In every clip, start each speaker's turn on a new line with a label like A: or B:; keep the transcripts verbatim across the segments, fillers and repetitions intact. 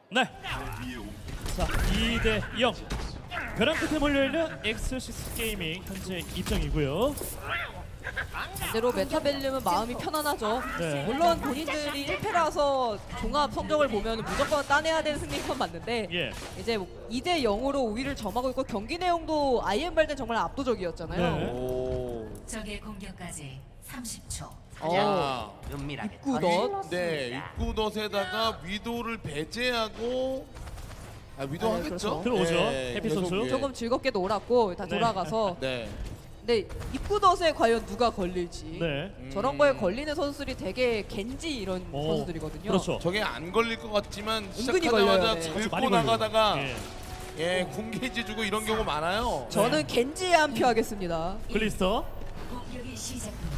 A: 네. 자, 이 대 영. 벼랑 끝에 몰려있는 엑스식스 게이밍 현재 입장이고요.
B: 반대로 메타벨륨은 마음이 편안하죠.
A: 네.
B: 물론 본인들이 일 패라서 종합 성적을 보면 무조건 따내야 되는 승리권 맞는데
A: 예.
B: 이제 이 대 영으로 우위를 점하고 있고 경기 내용도 아이엠발den 정말 압도적이었잖아요.
A: 네.
C: 오.
D: 적의 공격까지 삼십 초.
B: 어, 입구덧.
C: 네, 입구덧에다가 위도를 배제하고 아, 위도
B: 네,
C: 하겠죠?
B: 그렇죠.
A: 들어오죠.
C: 네,
A: 해피
C: 계속,
A: 선수.
C: 예.
B: 조금 즐겁게 놀았고 다
A: 네.
B: 돌아가서
C: 네.
B: 근데 입구덧에 과연 누가 걸릴지
A: 네.
C: 음.
B: 저런 거에 걸리는 선수들이 되게 겐지 이런
A: 오,
B: 선수들이거든요.
A: 그렇죠.
C: 저게 안 걸릴 것 같지만
B: 은근히
C: 시작하자마자
B: 걸려요, 네.
A: 아주 많이
C: 긁고
A: 걸려요.
C: 나가다가
A: 예.
C: 예, 궁게이지 주고 이런 경우 많아요.
B: 저는 겐지에 한 표 하겠습니다.
A: 글리스터.
D: 공격이 시작됩니다.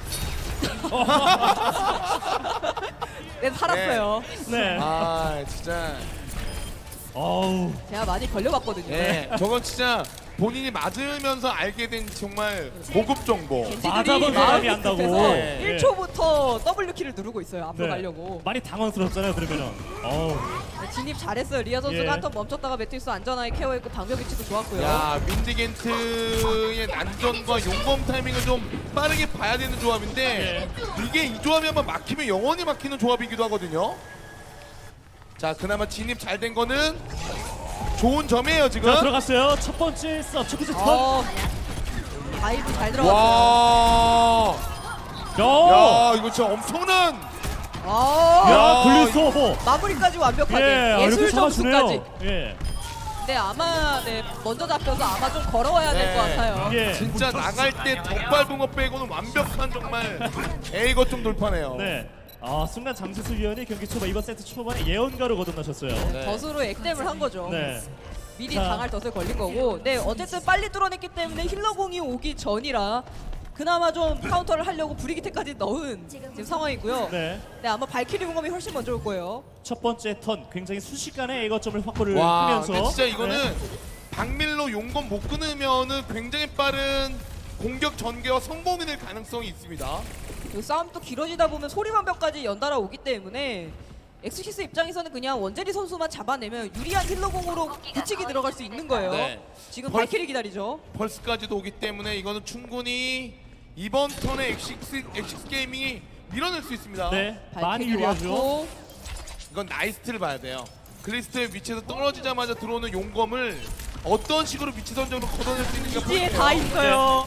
B: 네, 살았어요.
A: 네.
C: 아, 진짜.
A: 어우.
B: 제가 많이 걸려봤거든요.
C: 네, 저건 진짜 본인이 맞으면서 알게 된 정말 고급 정보.
A: 맞아본 사람이 안다고.
C: 네.
B: 일 초부터 W키를 누르고 있어요. 앞으로
A: 네.
B: 가려고.
A: 많이 당황스럽잖아요, 그러면은. 어우.
B: 네, 진입 잘했어요. 리아 선수가
A: 예.
B: 한 턴 멈췄다가 매트리스 안전하게 케어했고 방벽 위치도 좋았고요.
C: 야, 윈디겐트의 난전과 용검 타이밍을 좀 빠르게 봐야 되는 조합인데 이게 이 조합이 한번 막히면 영원히 막히는 조합이기도 하거든요. 자, 그나마 진입 잘 된 거는 좋은 점이에요, 지금.
A: 자, 들어갔어요. 첫 번째 서 첫 번째 턴.
B: 어, 다이브 잘 들어갔어요.
C: 와.
A: 야.
C: 야, 이거 진짜 엄청난.
B: 아,
A: 야, 글리스터 뭐.
B: 마무리까지 완벽하게.
A: 예, 이렇게
B: 예술
A: 잡아주네요.
B: 점수까지.
A: 예.
B: 네, 아마 네, 먼저 잡혀서 아마 좀 걸어와야 될 것
C: 네.
B: 같아요.
A: 예.
C: 진짜 나갈 때 덧밟은 거 빼고는 완벽한 정말 에이 것 좀 돌파네요.
A: 네. 아, 순간 장수수 위원이 경기 초반 이번 세트 초반에 예언가로 거듭나셨어요.
C: 네.
B: 덫으로 액땜을 한 거죠.
A: 네.
B: 미리
A: 자.
B: 당할 덫을 걸린 거고. 네, 어쨌든 빨리 뚫어냈기 때문에 힐러공이 오기 전이라 그나마 좀 카운터를 하려고 브리기테까지 넣은 지금 상황이고요. 네.
A: 네.
B: 아마 발키리 공감이 훨씬 먼저 올 거예요.
A: 첫 번째 턴 굉장히 순식간에 A거점을 확보를
C: 와,
A: 하면서
C: 근데 진짜 이거는
A: 네.
C: 박밀로 용검 못 끊으면은 굉장히 빠른 공격 전개와 성공이 될 가능성이 있습니다.
B: 이 싸움도 길어지다 보면 소리방벽까지 연달아 오기 때문에 엑스식스 입장에서는 그냥 원제리 선수만 잡아내면 유리한 힐러공으로 붙이기 들어갈 수 있는 거예요.
C: 네.
B: 지금
C: 벌-
B: 발키리 기다리죠.
C: 펄스까지도 오기 때문에 이거는 충분히 이번 턴에 엑식스, 엑식스 게이밍이 밀어낼 수 있습니다.
A: 네. 많이
B: 발키리
A: 유리하죠.
B: 왔고
C: 이건 나이스트를 봐야 돼요. 글리스트의 위치에서 떨어지자마자 들어오는 용검을 어떤 식으로 위치 선정으로 걷어낼 수 있는가
B: 뒤에
C: 볼게요.
B: 다 있어요.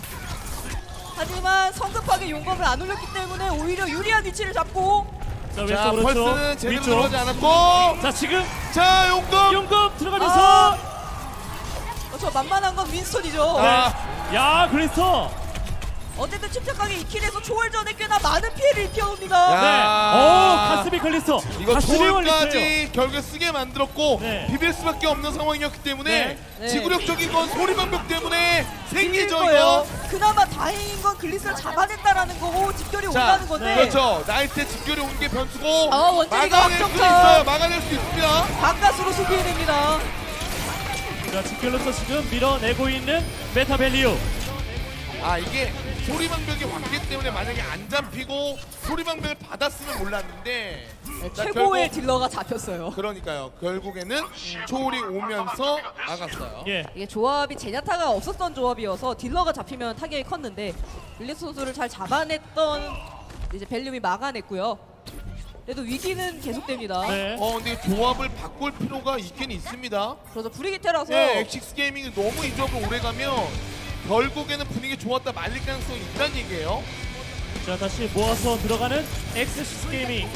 B: 하지만 성급하게 용검을 안 올렸기 때문에 오히려 유리한 위치를 잡고
A: 자,
C: 자,
A: 왼쪽
C: 펄스는
A: 오른쪽
C: 제대로
A: 위쪽.
C: 들어가지 않았고
A: 자, 지금
C: 자, 용검!
A: 용검 들어가면서
B: 아! 어, 저 만만한 건 윈스턴이죠.
C: 아.
A: 야, 글리스터.
B: 어쨌든 침착하게 이 킬에서 초월전에 꽤나 많은 피해를 입혀옵니다.
C: 야.
A: 네. 오, 가스비 글리스터.
C: 이거
A: 가스비 걸리스터예요.
C: 초월까지 결국에 쓰게 만들었고
A: 네.
C: 비빌 수밖에 없는 상황이었기 때문에
A: 네.
B: 네.
C: 지구력적인 건 소리방벽 때문에 생기죠,
B: 거예요.
C: 이거.
B: 그나마 다행인 건 글리스를 잡아냈다라는 거고 집결이
C: 자,
B: 온다는 건데
C: 그렇죠. 나이트 집결이 온 게 변수고
B: 아, 원재리가
C: 막아낼 수
B: 확정타.
C: 있어요. 막아낼 수 있습니다.
B: 바깥으로 수비해냅니다.
A: 자, 직결로서 지금 밀어내고 있는 메타벨리오.
C: 아, 이게 소리방벽이 왔기 때문에 만약에 안 잡히고 소리방벽을 받았으면 몰랐는데
B: 네,
C: 자,
B: 최고의
C: 결국-
B: 딜러가 잡혔어요.
C: 그러니까요. 결국에는 초월이 오면서 나갔어요.
A: 예.
B: 이게 조합이 제냐타가 없었던 조합이어서 딜러가 잡히면 타격이 컸는데 빌리스 선수를 잘 잡아냈던 이제 벨륨이 막아냈고요. 그래도 위기는 계속됩니다.
A: 네.
C: 어, 근데 조합을 바꿀 필요가 있긴 있습니다.
B: 그래서 브리기테라서
C: 네, 엑식스 게이밍이 너무 이 조합을 오래 가면 결국에는 분위기 좋았다 말릴 가능성이 있다는 얘기예요.
A: 자, 다시 모아서 들어가는 엑스식스 게이밍.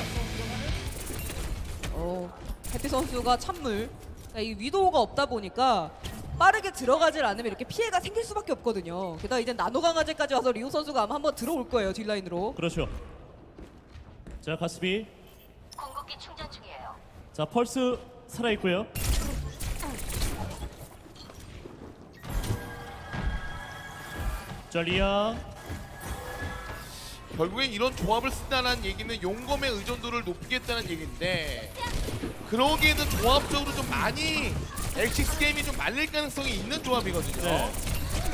B: 어, 해피 선수가 찬물. 그러니까 이 위도우가 없다 보니까 빠르게 들어가질 않으면 이렇게 피해가 생길 수밖에 없거든요. 게다가 이제 나노 강화제까지 와서 리오 선수가 아마 한번 들어올 거예요, 뒷라인으로.
A: 그렇죠. 자, 가스비.
D: 공격기 충전 중이에요.
A: 자, 펄스 살아 있고요. 자, 리아.
C: 결국에 이런 조합을 쓴다는 얘기는 용검의 의존도를 높이겠다는 얘기인데 그러기에는 조합적으로 좀 많이 엑식스 게임이 좀 말릴 가능성이 있는 조합이거든요.
A: 네.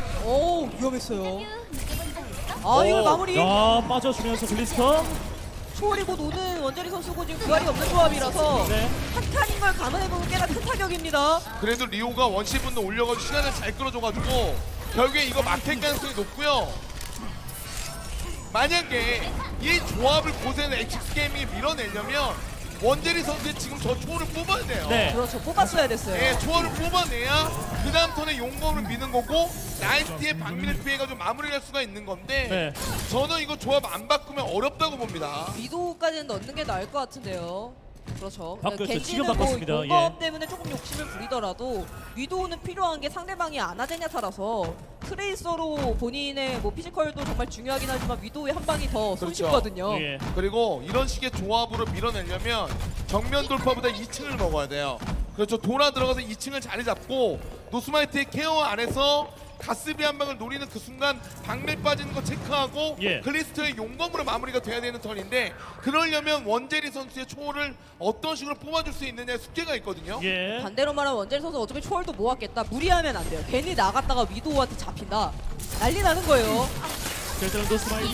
B: 오, 위험했어요. 아, 이걸
C: 오,
B: 마무리.
A: 야, 빠져주면서 글리스터.
B: 초월이 곧 오는 원자리 선수고 지금 부활이 없는 조합이라서
A: 네.
B: 한 칸인 걸 감안해보면 꽤나 큰 타격입니다.
C: 그래도 리오가 원시 분노 올려가지고 시간을 잘 끌어줘가지고 결국에 이거 막힐 가능성이 높고요. 만약에 이 조합을 고세는 엑스엑스 게이밍이 밀어내려면 원제리 선수의 지금 저 초월을 뽑아야 돼요.
A: 네.
B: 그렇죠. 뽑았어야 됐어요.
C: 예, 초월을 뽑아내야 그 다음 턴에 용검을 미는 거고 나이스티의 박민을 피해가지고 마무리를 할 수가 있는 건데
A: 네.
C: 저는 이거 조합 안 바꾸면 어렵다고 봅니다.
B: 위도우까지는 넣는 게 나을 것 같은데요. 그렇죠.
A: 바꿨죠.
B: 겐지는
A: 지금
B: 뭐
A: 바꿨습니다.
B: 용검
A: 예.
B: 때문에 조금 욕심을 부리더라도 위도우는 필요한 게 상대방이 아나제냐타라서 트레이서로 본인의 뭐 피지컬도 정말 중요하긴 하지만 위도우의 한 방이 더
C: 그렇죠.
B: 손쉽거든요.
A: 예.
C: 그리고 이런 식의 조합으로 밀어내려면 정면 돌파보다 이 층을 먹어야 돼요. 그렇죠. 돌아 들어가서 이 층을 자리 잡고 노스마이트의 케어 안에서 가스비 한 방을 노리는 그 순간 박밀 빠지는 거 체크하고
A: 예.
C: 글리스터의 용검으로 마무리가 돼야 되는 턴인데 그러려면 원제리 선수의 초월을 어떤 식으로 뽑아줄 수 있느냐의 숙제가 있거든요.
A: 예.
B: 반대로 말하면 원재리 선수 어차피 초월도 모았겠다. 무리하면 안 돼요. 괜히 나갔다가 위도우한테 잡힌다. 난리 나는 거예요.
A: 결정은 노스마이트.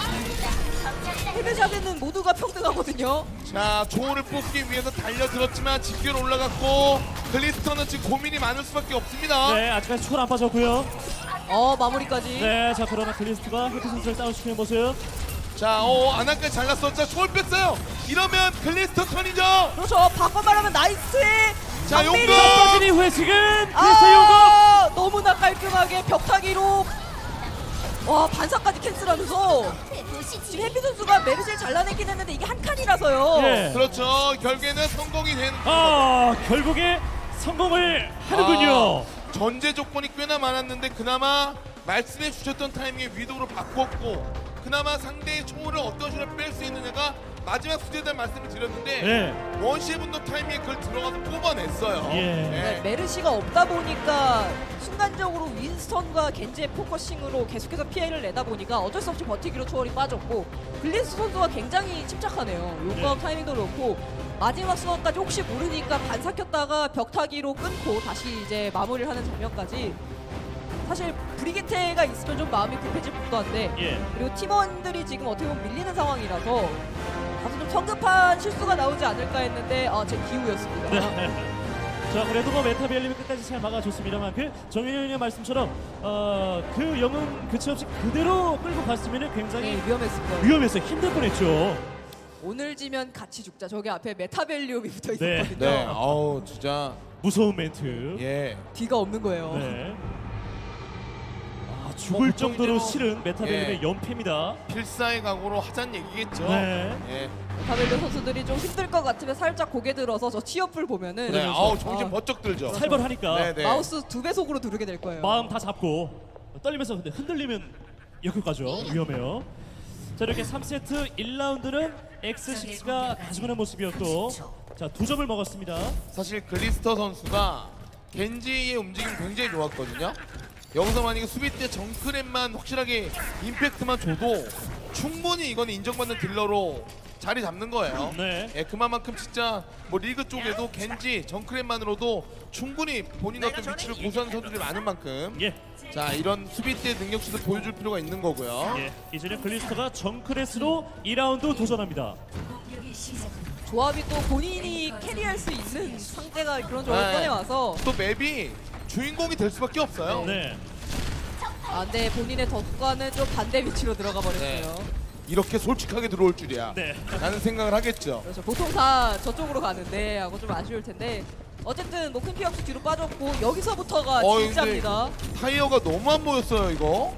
B: 패배자들은 모두가 평등하거든요.
C: 자, 초월을 뽑기 위해서 달려들었지만 집결 올라갔고 글리스터는 지금 고민이 많을 수밖에 없습니다.
A: 네, 아직까지 초월 안 빠졌고요.
B: 어 마무리까지.
A: 네, 자 그러나 글리스트가 헤드 선수를 다운시키는 모습.
C: 자, 어, 아나까지 잘랐어. 자, 초월 뺐어요. 이러면 글리스터 턴이죠.
B: 그렇죠. 바꿔 말하면 나이스의
C: 자,
B: 박민이!
C: 용검!
A: 빠진 이후에 지금 글리스트 용검.
B: 아 너무나 깔끔하게 벽타기로 와 반사까지 캔슬하면서 지금 해피 선수가 메르시를 잘라내긴 했는데 이게 한 칸이라서요.
A: 예.
C: 그렇죠. 결국에는 성공이 되는.
A: 아 결국에 성공을 하는군요.
C: 아, 전제 조건이 꽤나 많았는데 그나마 말씀해 주셨던 타이밍에 위도우로 바꿨고 그나마 상대의 초월을 어떤 식으로 뺄 수 있느냐가 마지막 숙제다 말씀을 드렸는데
A: 네.
C: 원시의 분노 타이밍에 그걸 들어가서 뽑아냈어요.
A: 예.
B: 네, 메르시가 없다 보니까 순간적으로 윈스턴과 겐지의 포커싱으로 계속해서 피해를 내다 보니까 어쩔 수 없이 버티기로 초월이 빠졌고 글리스 선수가 굉장히 침착하네요. 용검
A: 네.
B: 타이밍도 그렇고 마지막 순간까지 혹시 모르니까 반삭혔다가 벽타기로 끊고 다시 이제 마무리를 하는 장면까지 사실 브리게테가 있으면 좀 마음이 급해질 법도 한데
A: 예.
B: 그리고 팀원들이 지금 어떻게 보면 밀리는 상황이라서 다소 좀 성급한 실수가 나오지 않을까 했는데 아, 제 기우였습니다.
A: 네. 자 그래도 뭐 메타비엘님이 끝까지 잘 막아줬습니다만 그 정윤현의 말씀처럼 어, 그 영웅 그치 없이 그대로 끌고 갔으면 굉장히
B: 네, 위험했습니다.
A: 위험해서 힘들 뻔했죠.
B: 오늘 지면 같이 죽자. 저기 앞에 메타벨리움이 붙어
A: 네.
B: 있었거든요.
C: 네, 아우 진짜
A: 무서운 멘트.
C: 예.
B: 뒤가 없는 거예요.
A: 네. 아, 죽을
C: 보통
A: 정도로
C: 이제 뭐-
A: 싫은 메타비엘님의
C: 예.
A: 연패입니다.
C: 필사의 각오로 하자는 얘기겠죠.
A: 네.
C: 예.
B: 메타벨리움 선수들이 좀 힘들 것 같으면 살짝 고개 들어서 저 티어풀 보면은
C: 네, 아우 정신
B: 아,
C: 번쩍 들죠.
A: 살벌하니까
C: 네, 네.
B: 마우스 두 배속으로 누르게 될 거예요.
A: 마음 다 잡고 떨리면서 근데 흔들리면 역효과죠. 위험해요. 자 이렇게 삼 세트 일 라운드는 엑스식스가 가져가는 모습이었고 자 두 점을 먹었습니다.
C: 사실 글리스터 선수가 겐지의 움직임이 굉장히 좋았거든요. 여기서 만약에 수비 때 정크랩만 확실하게 임팩트만 줘도 충분히 이거는 인정받는 딜러로 자리 잡는 거예요.
A: 네.
C: 예, 그만큼 진짜 뭐 리그 쪽에도 겐지, 정크랩만으로도 충분히 본인 어떤 위치를 고수하는 선수들이 많은 만큼
A: 예.
C: 자 이런 수비 때 능력치도 보여줄 필요가 있는 거고요.
A: 예. 이제는 글리스터가 정크레스로 이 라운드 도전합니다.
D: 공격이 시작됩니다.
B: 조합이 또 본인이 캐리할 수 있는 상대가 그런 조합을
C: 네.
B: 꺼내와서
C: 또 맵이 주인공이 될 수밖에 없어요.
A: 네.
B: 아 근데 본인의 덕과는 좀 반대 위치로 들어가 버렸어요.
C: 이렇게 솔직하게 들어올 줄이야.
A: 네.
C: 라는 생각을 하겠죠.
B: 그렇죠. 보통 다 저쪽으로 가는데 하고 좀 아쉬울 텐데 어쨌든 뭐 큰 피해 없이 뒤로 빠졌고 여기서부터가
C: 어,
B: 진짜입니다.
C: 타이어가 너무 안 보였어요 이거.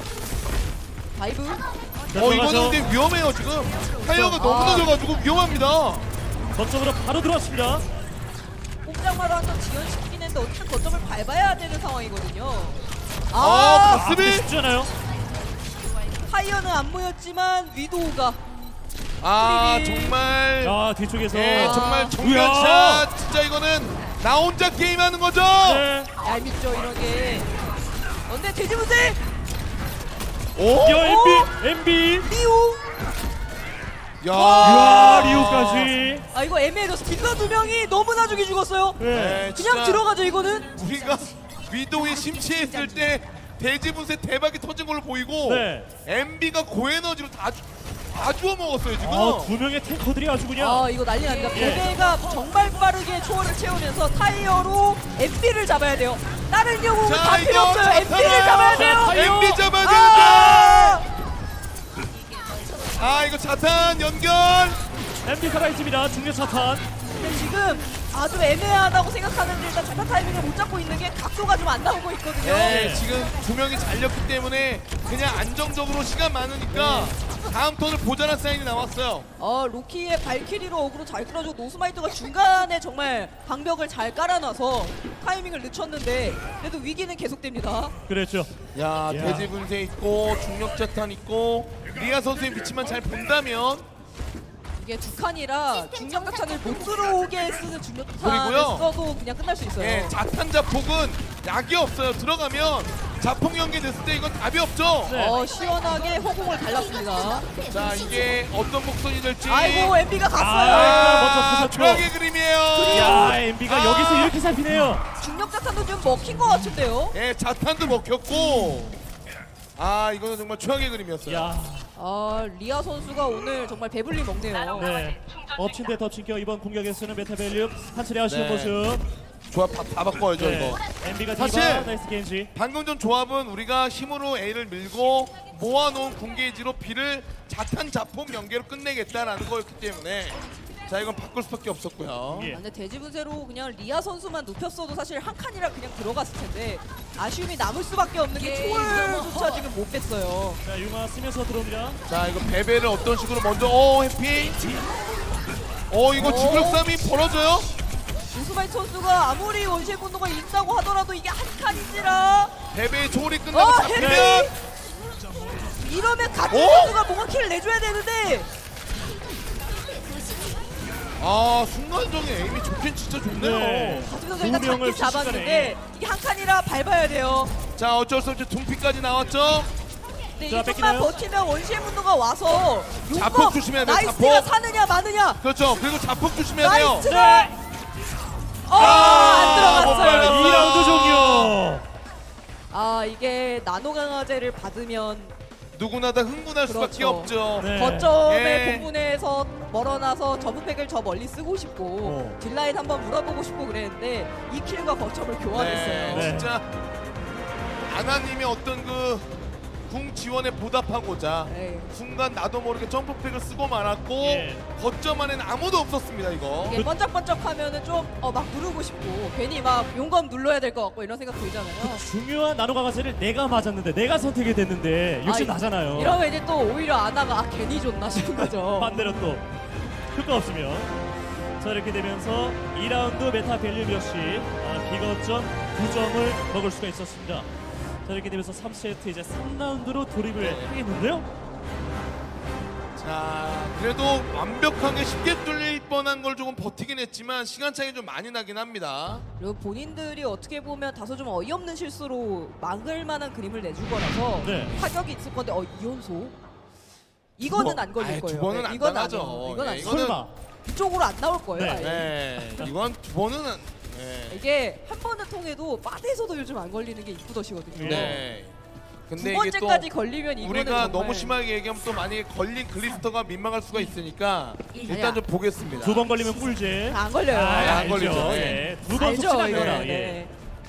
B: 다이브
A: 자,
C: 어
A: 들어가죠.
C: 이거는 근데 위험해요 지금. 타이어가 너무
B: 아.
C: 늦어가지고 위험합니다.
A: 거점으로 바로 들어왔습니다.
B: 꼼짝마루 한번 지연시키긴 했는데 어쨌든 거점을 밟아야 되는 상황이거든요.
C: 아,
B: 아,
C: 가스-
A: 아, 근데 쉽지 않아요.
B: 파이어는 안 모였지만 위도우가
C: 아
B: 프리딜.
C: 정말
A: 아 뒤쪽에서
C: 예
B: 아.
C: 정말 정면샷. 진짜 이거는 나 혼자 게임하는 거죠.
A: 네.
B: 얄밉죠 이런 게. 근데 돼지무새
C: 오?
A: 야 엠비 엠비.
B: 리우
C: 야.
A: 야 리오까지.
B: 아 이거 애매해졌어. 딜러 두 명이 너무나 죽이 죽었어요.
A: 네.
C: 네,
B: 그냥
C: 진짜
B: 들어가죠 이거는.
C: 우리가 위도우에 심취했을 때 대지 분쇄 대박이 터진 걸로 보이고
A: 네.
C: 엠비가 고에너지로 다, 주, 다 주워 먹었어요 지금.
A: 아, 두 명의 탱커들이 아주 그냥
B: 아 이거 난리 납니다.
A: 예.
B: 베베가 정말 빠르게 초월을 채우면서 타이어로 엠비를 잡아야 돼요. 다른 경우
C: 자,
B: 다 필요
C: 이거
B: 없어요. 엠비를
C: 자탄아.
B: 잡아야 돼요.
A: 자, 타이어.
C: 엠비 잡아야
B: 아!
C: 되는데. 아 이거 자탄 연결.
A: 엠비 살아있습니다. 중력 차탄.
B: 근데 지금 아주 애매하다고 생각하는데 일단 자타 타이밍을 못 잡고 있는 게 각도가 좀 안 나오고 있거든요.
C: 네,
A: 네.
C: 지금 두 명이 잘렸기 때문에 그냥 안정적으로 시간 많으니까 다음 턴을 보자는 사인이 나왔어요.
B: 어 로키의 발키리로 어그로 잘 끌어주고 노스마이트가 중간에 정말 방벽을 잘 깔아놔서 타이밍을 늦췄는데 그래도 위기는 계속됩니다.
A: 그랬죠.
C: 야,
A: 야.
C: 대지 분쇄 있고 중력 자탄 있고 리아 선수의 위치만 잘 본다면
B: 이게 두 칸이라 중력자탄을 못 들어오게 쓰는 중력자탄을
C: 그리고요.
B: 써도 그냥 끝날 수 있어요.
C: 예, 자탄 자폭은 약이 없어요. 들어가면 자폭 연계됐을 때 이건 답이 없죠.
A: 네.
B: 어 시원하게 허공을 갈랐습니다.
C: 자, 이게 어떤 곡선이 될지.
B: 아이고 엠비가 갔어요.
A: 아, 먼저
C: 아,
A: 터졌죠.
C: 최악의 그림이에요.
A: 야, 엠비가
C: 아.
A: 여기서 이렇게 잡히네요.
B: 중력자탄도 좀 먹힌 것 같은데요.
C: 예, 자탄도 먹혔고. 아, 이거는 정말 최악의 그림이었어요.
A: 야,
B: 아 리아 선수가 오늘 정말 배불리 먹네요.
A: 네. 엎친 데 덮친 겨 이번 공격에서는 메타밸류 한 차례 아쉬운
C: 네.
A: 모습.
C: 조합 다, 다 바꿔야죠,
A: 네.
C: 이거.
A: 엠비가 디바,
C: 사실-
A: 나이스 겐지.
C: 방금 전 조합은 우리가 힘으로 A를 밀고 모아놓은 궁게이지로 B를 자탄 자폭 연계로 끝내겠다라는 거였기 때문에 자 이건 바꿀 수밖에 없었고요.
A: 예.
B: 아, 근데 대지분쇄로 그냥 리아 선수만 눕혔어도 사실 한 칸이라 그냥 들어갔을 텐데 아쉬움이 남을 수밖에 없는 게 초월조차 지금 못 뺐어요.
A: 자, 융화 쓰면서 들어옵니다.
C: 자 이거 베베를 어떤 식으로 먼저 어 해피. 어 이거
B: 오.
C: 지구력 싸움이 벌어져요?
B: 우스마이 선수가 아무리 원시의 분노가 있다고 하더라도 이게 한 칸인지라
C: 베베의 초월이 끝나고
B: 어,
C: 잡히면
B: 해피! 이러면 같은
C: 오!
B: 선수가 뭔가 킬을 내줘야 되는데
C: 아 순간적인 에임이 좋긴 진짜 좋네요.
A: 네.
B: 같은 선수가 일단
A: 두 명을
B: 잡긴 잡았는데
A: 순식간에.
B: 이게 한 칸이라 밟아야 돼요.
C: 자 어쩔 수 없이 둠피까지 나왔죠.
B: 근데
A: 자,
B: 이게 좀만
A: 뺏기나요?
B: 버티면 원시의 분노가 와서
C: 자폭
B: 용법
C: 조심해야 돼요,
B: 나이스가
C: 자폭.
B: 사느냐 마느냐
C: 그렇죠. 그리고 자폭 조심해야 돼요.
B: 나이스가
A: 네.
B: 어, 안
C: 못
B: 들어갔어요.
C: 받았어요.
A: 이 라운드 종료.
B: 아 이게 나노 강화제를 받으면
C: 누구나 다 흥분할 수밖에
B: 그렇죠.
C: 없죠.
A: 네.
B: 거점의
C: 예.
B: 본분에서 멀어나서 저분팩을 저 멀리 쓰고 싶고
A: 어.
B: 딜라인 한번 물어보고 싶고 그랬는데 이 킬과 거점을 교환했어요.
C: 네,
A: 네.
C: 진짜 아나님의 어떤 그 궁 지원에 보답하고자
B: 네.
C: 순간 나도 모르게 점프팩을 쓰고 말았고
A: 예.
C: 거점 안에는 아무도 없었습니다 이거.
B: 이게 번쩍번쩍하면은 좀 어 막 누르고 싶고 괜히 막 용검 눌러야 될 것 같고 이런 생각 들잖아요.
A: 중요한 나노 강화제를 내가 맞았는데 내가 선택이 됐는데 욕심
B: 아,
A: 나잖아요.
B: 이러면 이제 또 오히려 아나가 아 괜히 줬나 싶은 거죠.
A: 반대로 또 효과 없으면 자 이렇게 되면서 이 라운드 메타 밸류 역시 아, 비거점 두 점을 먹을 수가 있었습니다. 자 이렇게 되면서 삼 세트 이제 삼 라운드로 돌입을
C: 네.
A: 하겠는데요.
C: 자 그래도 완벽하게 쉽게 뚫릴 뻔한 걸 조금 버티긴 했지만 시간 차이 좀 많이 나긴 합니다.
B: 그리고 본인들이 어떻게 보면 다소 좀 어이없는 실수로 막을 만한 그림을 내줄 거라서
A: 네.
B: 타격이 있을 건데 어 이연소? 이거는
C: 두 번-
B: 안 걸릴
C: 아이,
B: 거예요.
C: 두 번은
B: 네,
C: 안
B: 이건
C: 당하죠.
B: 아니에요. 이건
C: 네,
B: 아니에요.
C: 이거는-
A: 설마.
B: 이쪽으로 안 나올 거예요.
A: 네.
B: 아예.
C: 네 이건 두 번은 안, 네.
B: 이게 한 번은 통해도 바드에서도 요즘 안 걸리는 게 이쁘더시거든요.
C: 네.
B: 두
C: 근데 이게 또
B: 번째까지 걸리면 이거는
C: 우리가
B: 정말
C: 너무 심하게 얘기하면 또 만약에 걸린 글리스터가 민망할 수가 있으니까 일단 좀 보겠습니다.
A: 두 번 걸리면 꿀제.
B: 안 걸려요.
A: 아,
C: 안
A: 알죠.
C: 걸리죠.
A: 예. 두번
B: 알죠,
A: 속지
B: 이거.
A: 않거나.
B: 네.
A: 예.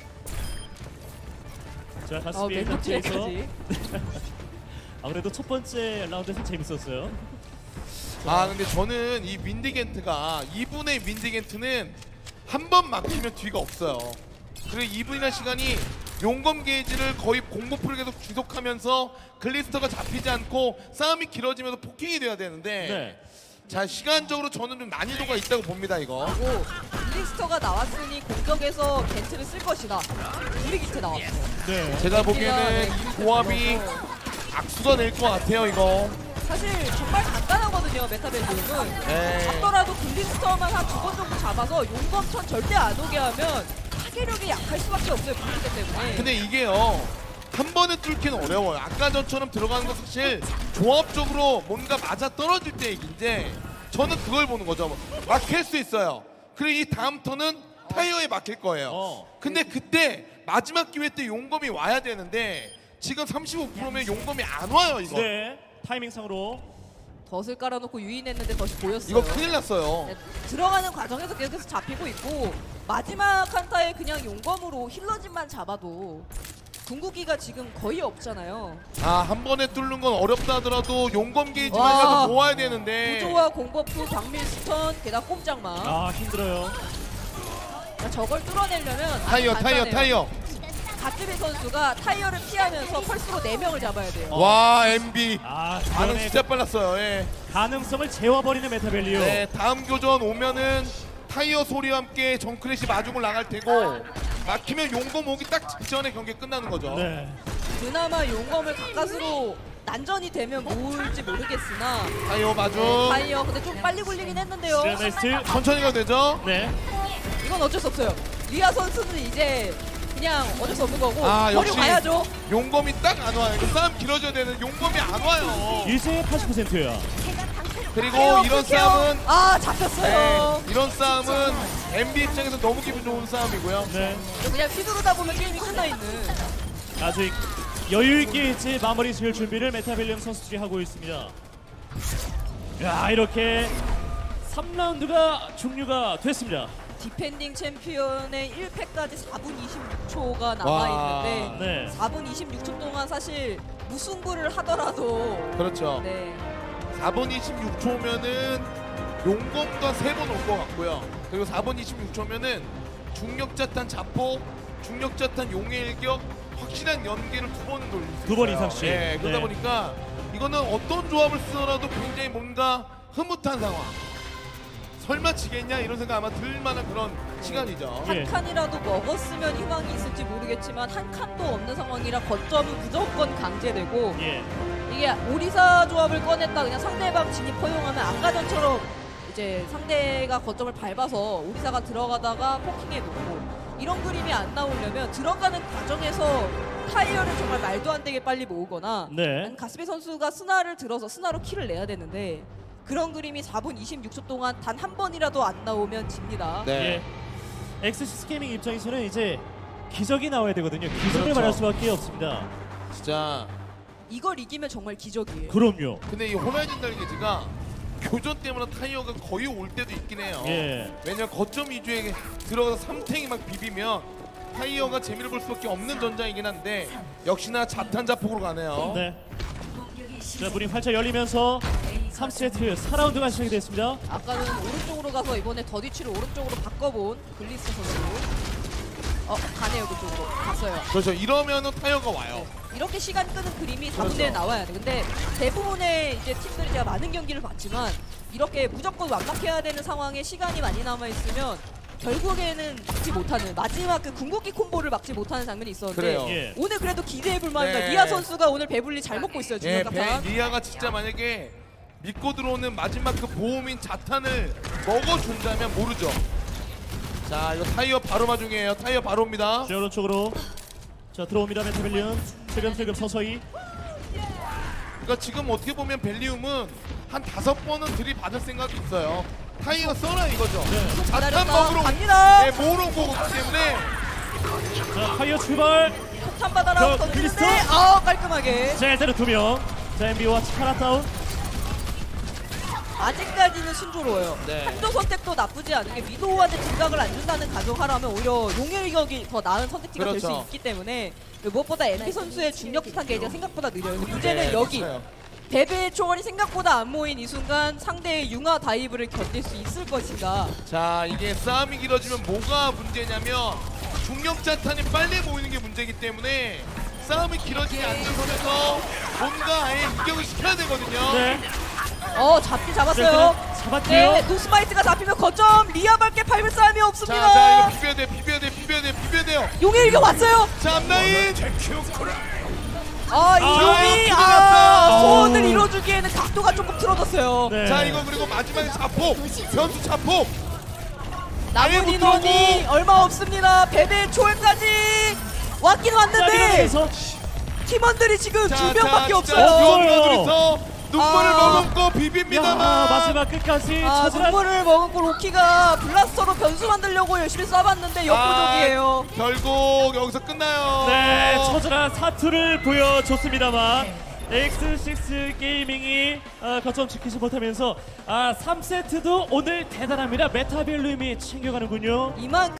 A: 자
B: 어,
A: 가스비의 단체에서
B: 멘토피에까지.
A: 아무래도 첫 번째 라운드에서 재밌었어요.
C: 아 근데 저는 이 윈디겐트가 이 분의 윈디겐트는 한 번 막히면 뒤가 없어요. 그리고 이 분이라는 시간이 용검 게이지를 거의 공보풀을 계속 지속하면서 글리스터가 잡히지 않고 싸움이 길어지면서 포킹이 돼야 되는데
A: 네.
C: 자 시간적으로 저는 좀 난이도가 있다고 봅니다 이거.
B: 그리고 블리스터가 나왔으니 공격에서 겐트를 쓸 것이다. 우리 기트 나왔어요.
A: 네.
C: 제가 보기에는 이 조합이 악수가 낼 것 같아요 이거.
B: 사실 정말 간단하거든요. 메타벨리움은.
C: 네.
B: 잡더라도 블리스터만 한 두 번 정도 잡아서 용검천 절대 안 오게 하면 타격력이 약할 수밖에 없어요. 블리스터 때문에.
C: 근데 이게요 한 번에 뚫기는 어려워요. 아까 전처럼 들어가는 거 사실 조합적으로 뭔가 맞아 떨어질 때 얘기인데 저는 그걸 보는 거죠. 막힐 수 있어요. 그리고 이 다음 턴은 타이어에 막힐 거예요.
A: 어.
C: 근데 그때 마지막 기회 때 용검이 와야 되는데 지금 삼십오 퍼센트면 용검이 안 와요 이거.
A: 네, 타이밍상으로
B: 덫을 깔아놓고 유인했는데 덫이 보였어요.
C: 이거 큰일 났어요.
B: 네, 들어가는 과정에서 계속해서 잡히고 있고 마지막 한타에 그냥 용검으로 힐러진만 잡아도 궁극기가 지금 거의 없잖아요.
C: 아, 한 번에 뚫는 건 어렵다 하더라도 용검 게이지만
B: 와.
C: 해서 모아야 되는데.
B: 구조와 공법도 광밀 스턴 게다가 꼼짝마.
A: 아 힘들어요.
B: 그러니까 저걸 뚫어내려면 아주
C: 타이어 타이어
B: 간단해요.
C: 타이어.
B: 갓즈비 선수가 타이어를 피하면서 펄스로 네 명을 잡아야 돼요.
C: 와 엠비.
A: 아
C: 반응
A: 이번에
C: 진짜 빨랐어요. 예.
A: 가능성을 재워버리는 메타벨리오.
C: 네, 다음 교전 오면은 타이어 소리와 함께 정크래시 마중을 나갈 테고 막히면 용검 오기 딱 직전에 경기 끝나는 거죠.
A: 네.
B: 그나마 용검을 가까스로 난전이 되면 모을지 모르겠으나
C: 타이어 마중.
B: 네, 타이어 근데 좀 빨리 굴리긴 했는데요.
A: 시레나이스트.
C: 천천히 가도 되죠?
A: 네.
B: 이건 어쩔 수 없어요. 리아 선수는 이제 그냥 어쩔 수 없는 거고
C: 아,
B: 버리고
C: 역시
B: 가야죠.
C: 용검이 딱 안 와요. 이거 싸움 길어져야 되는 용검이 안 와요.
A: 이제 팔십 퍼센트야.
C: 그리고
B: 타이어
C: 이런
B: 끊겨요.
C: 싸움은
B: 아 잡혔어요.
C: 네, 이런 싸움은 엠비 입장에서 너무 기분 좋은 싸움이고요.
A: 네.
B: 그냥 휘두르다 보면 게임이 끝나 있는.
A: 아직 여유 있게 이제 마무리 지을 준비를 메타벨리움 선수들이 하고 있습니다. 야 이렇게 삼 라운드가 종료가 됐습니다.
B: 디펜딩 챔피언의 일 패까지 사 분 이십육 초가
C: 와.
B: 남아있는데
A: 네.
B: 사 분 이십육 초 동안 사실 무승부를 하더라도
C: 그렇죠.
B: 네.
C: 사 분 이십육 초면은 용검과 세 번 올 것 같고요. 그리고 사 분 이십육 초면은 중력자탄 자폭, 중력자탄 용의 일격, 확실한 연계를 두 번은 돌릴 수 있어요.
A: 두번 이상씩.
C: 네, 그러다
A: 네.
C: 보니까 이거는 어떤 조합을 쓰더라도 굉장히 뭔가 흐뭇한 상황. 설마 지겠냐 이런 생각 아마 들 만한 그런 시간이죠.
A: 예.
B: 한 칸이라도 먹었으면 희망이 있을지 모르겠지만 한 칸도 없는 상황이라 거점은 무조건 강제되고
A: 예.
B: 이게 오리사 조합을 꺼냈다 그냥 상대방 진입 허용하면 아까 전처럼 이제 상대가 거점을 밟아서 오리사가 들어가다가 포킹해 놓고 이런 그림이 안 나오려면 들어가는 과정에서 타이어를 정말 말도 안 되게 빨리 모으거나
A: 네.
B: 가스비 선수가 스나를 들어서 스나로 킬을 내야 되는데 그런 그림이 사 분 이십육 초 동안 단 한 번이라도 안 나오면 집니다.
C: 네.
A: 예. 엑스시스 게이밍 입장에서는 이제 기적이 나와야 되거든요. 기적을
C: 그렇죠.
A: 말할 수밖에 없습니다.
C: 진짜.
B: 이걸 이기면 정말 기적이에요.
A: 그럼요.
C: 근데 이 호라이즌 달리기가 교전 때문에 타이어가 거의 올 때도 있긴 해요.
A: 예.
C: 왜냐면 거점 위주에 들어가서 삼탱이 막 비비면 타이어가 재미를 볼 수밖에 없는 전장이긴 한데 역시나 자탄 자폭으로 가네요.
A: 네. 자, 문이 활짝 열리면서 삼 세트 사 라운드가 시작이 됐습니다.
B: 아까는 오른쪽으로 가서 이번에 더디치를 오른쪽으로 바꿔본 글리스 선수. 어 가네요 그쪽으로 갔어요.
C: 그렇죠. 이러면은 타이어가 와요.
B: 이렇게 시간 끄는 그림이 사 분
C: 그렇죠.
B: 내에 나와야 돼. 근데 대부분의 이제 팀들이 제가 많은 경기를 봤지만 이렇게 무조건 완막해야 되는 상황에 시간이 많이 남아 있으면 결국에는 막지 못하는 마지막 그 궁극기 콤보를 막지 못하는 장면이 있었는데
C: 그래요.
A: 예.
B: 오늘 그래도 기대해볼 만합니다.
C: 네.
B: 리아 선수가 오늘 배불리 잘 먹고 있어요.
C: 예,
B: 중간
C: 베,
B: 탑.
C: 리아가 진짜 만약에 믿고 들어오는 마지막 그 보험인 자탄을 먹어준다면 모르죠. 자, 이거 타이어 바로 마중이에요. 타이어 바로입니다.
A: 자, 오른쪽으로 자 들어옵니다. 메타벨리움 슬금슬금 서서히.
C: 그러니까 지금 어떻게 보면 벨리움은 한 다섯 번은 들이받을 생각이 있어요. 타이어 써라 이거죠.
A: 네.
C: 자탄
B: 기다렸다.
C: 먹으러
B: 갑니다.
C: 네, 모으러 온 거기 때문에
A: 자 타이어 출발.
B: 폭탄 받아라
A: 저,
B: 던지는데
A: 글리스터.
B: 아 깔끔하게.
A: 자 일단은 두 명. 자 엠비와 차라 다운.
B: 아직까지는 순조로워요.
C: 네.
B: 한조 선택도 나쁘지 않은 게 위도우한테 딜각을 안 준다는 가정하라면 오히려 용일격이 더 나은 선택지가 될
C: 그렇죠.
B: 수 있기 때문에 무엇보다 엠비 선수의 중력 기탄 게이지가 생각보다 느려요. 근데 문제는
C: 네,
B: 여기
C: 맞아요.
B: 베베의 초월이 생각보다 안 모인 이 순간 상대의 융화 다이브를 견딜 수 있을 것인가.
C: 자, 이게 싸움이 길어지면 뭐가 문제냐면 중력 자탄이 빨리 모이는 게 문제이기 때문에 싸움이 길어지지 않는 선에서 뭔가 아예 이격을 시켜야 되거든요.
A: 네.
B: 어 잡기 잡았어요.
A: 자, 잡았고요.
B: 네 노스마이트가 잡히면 거점 리아밖에 밟을 사람이
C: 자,
B: 없습니다.
C: 자, 이거 비벼야 돼, 비벼야 돼, 비벼야 돼, 비벼야 돼요.
B: 용일격 왔어요.
C: 자, 앞라인.
B: 아, 이
A: 아,
B: 용이
C: 큰일
B: 아,
C: 났어요.
B: 소원을 이뤄주기에는 각도가 조금 틀어졌어요.
A: 네.
C: 자, 이거 그리고 마지막에 자폭, 변수 자폭. 아예
B: 남은
C: 못
B: 인원이
C: 들어오고.
B: 얼마 없습니다. 베베 초월까지 왔긴
A: 자
B: 왔는데
A: 밀어내면서
B: 팀원들이 지금
C: 자,
B: 두 명밖에
C: 자,
B: 없어요.
C: 자,
A: 없어요.
C: 누웠어, 둘이서 눈물을
B: 아.
C: 머금고 비빕니다만
A: 야, 마지막 끝까지
B: 아,
A: 처절한
B: 눈물을 머금고 로키가 블라스터로 변수 만들려고 열심히 쏴봤는데 역부족이에요.
C: 아, 결국 여기서 끝나요.
A: 네, 처절한 사투를 보여줬습니다만 엑스식스 게이밍이 아, 거점 지키지 못하면서 아, 삼 세트도 오늘 대단합니다. 메타벨룸이 챙겨가는군요.
B: 이만